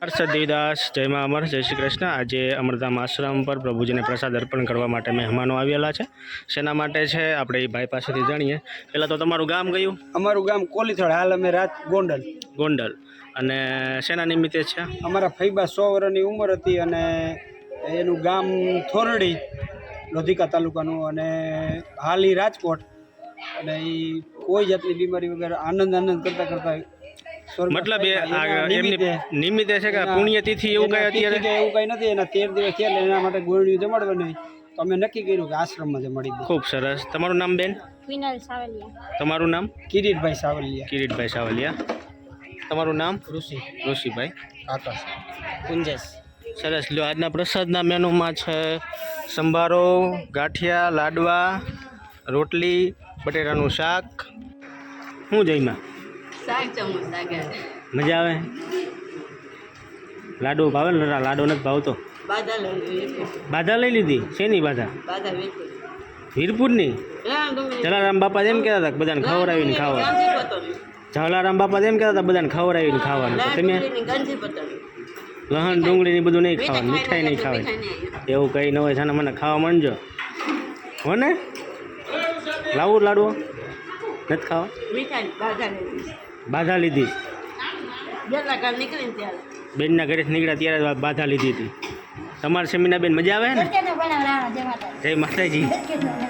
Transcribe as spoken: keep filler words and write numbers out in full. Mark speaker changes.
Speaker 1: હર્ષદ દેવદાસ, જય મા અમર, જય શ્રી કૃષ્ણ। આજે અમરધામ આશ્રમ પર પ્રભુજીને પ્રસાદ અર્પણ કરવા માટે મહેમાનો આવેલા છે। શેના માટે છે આપણે એ ભાઈ પાસેથી જાણીએ। પહેલાં તો તમારું ગામ કયું?
Speaker 2: અમારું ગામ કોલીથળ, હાલ અમે રાત ગોંડલ
Speaker 1: ગોંડલ। અને શેના નિમિત્તે છે?
Speaker 2: અમારા ફઈબા સો વર્ષની ઉંમર હતી અને એનું ગામ થોરડી, લોધિકા તાલુકાનું, અને હાલ ઈ રાજકોટ। અને એ કોઈ જાતની બીમારી વગર આનંદ આનંદ કરતા કરતા
Speaker 1: મતલબ એ એમની નિમિત્તે છે કે પુણ્યતિથિ એવું કઈ અત્યારે
Speaker 2: એવું કઈ નથી। એના તેર દિવસ થયા એટલે એના માટે ગોળીઓ જમાડવાની તો અમે નક્કી કર્યું કે આશ્રમમાં જમાડી દઈએ।
Speaker 1: ખૂબ સરસ। તમારું નામ બેન?
Speaker 3: વિનલ સાવલિયા।
Speaker 1: તમારું નામ?
Speaker 2: કિરીટભાઈ સાવલિયા।
Speaker 1: કિરીટભાઈ સાવલિયા। તમારું નામ?
Speaker 2: ઋષિ
Speaker 1: ઋષિભાઈ।
Speaker 2: આકાશ કુંજેશ।
Speaker 1: સરસ। લ્યો, આજના પ્રસાદના મેનુમાં છે સંભારો, ગાંઠિયા, લાડવા, રોટલી, બટેટાનું શાક। શું જઈમાં?
Speaker 3: શાક ચમચ શાક
Speaker 1: મજા આવે? લાડુ ભાવે ને? લાડુ નથી ભાવતો?
Speaker 3: બાધા લઈ
Speaker 1: બાધા લઈ લીધી? શેની બાધા?
Speaker 3: બાધા વેચી
Speaker 1: વીરપુરની? જલારામ બાપા એમ કહેતા હતા કે બધાને ખવડાવીને ખાવાનું। જલારામ બાપા એમ કહેતા હતા બધાને ખવડાવીને ખાવાનું। તમે લહણ ડુંગળીની બધું નહીં ખાવાનું, મીઠાઈ નહીં ખાવાની, એવું કંઈ ન હોય છે મને ખાવા માંડજો હો ને? લાવું લાડવો? નથી ખાવા? બાધા લીધી? બેનના ઘરેથી નીકળ્યા ત્યારે બાધા લીધી હતી। તમારે સેમીના બેન મજા આવે ને? જય માતાજી।